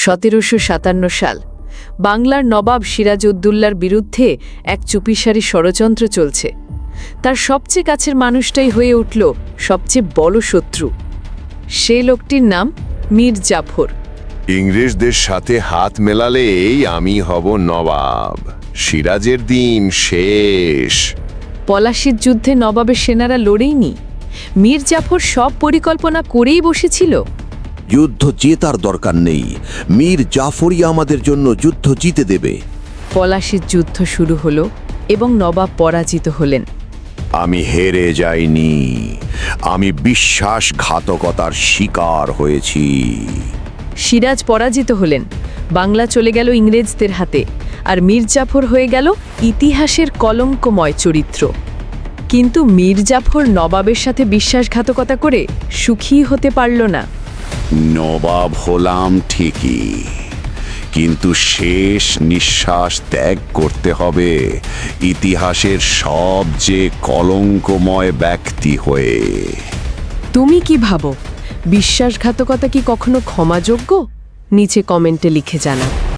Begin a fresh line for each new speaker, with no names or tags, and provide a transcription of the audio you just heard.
1757 সাল বাংলার নবাব সিরাজউদ্দৌলার বিরুদ্ধে এক চুপিসারি ষড়যন্ত্র চলছে। তার সবচেয়ে কাছের মানুষটাই হয়ে উঠল সবচেয়ে বড় শত্রু। সে লোকটির নাম মীর জাফর।
ইংরেজদের সাথে হাত মেলালেই আমি হব নবাব, সিরাজের দিন শেষ।
পলাশির যুদ্ধে নবাবের সেনারা লড়েইনি, মীর জাফর সব পরিকল্পনা করেই বসেছিল।
যুদ্ধ জেতার দরকার নেই, মীর জাফরই আমাদের জন্য যুদ্ধ জিতে দেবে।
পলাশির যুদ্ধ শুরু হলো এবং নবাব পরাজিত হলেন।
আমি হেরে যাইনি, আমি বিশ্বাসঘাতকতার শিকার হয়েছি।
সিরাজ পরাজিত হলেন, বাংলা চলে গেল ইংরেজদের হাতে, আর মীর জাফর হয়ে গেল ইতিহাসের কলঙ্কময় চরিত্র। কিন্তু মীর জাফর নবাবের সাথে বিশ্বাসঘাতকতা করে সুখী হতে পারল না।
নবাব হলাম ঠিকই, কিন্তু শেষ নিঃশ্বাস ত্যাগ করতে হবে ইতিহাসের সবচেয়ে কলঙ্কময় ব্যক্তি হয়ে।
তুমি কি ভাবো, বিশ্বাসঘাতকতা কি কখনো ক্ষমাযোগ্য? নিচে কমেন্টে লিখে জানাও।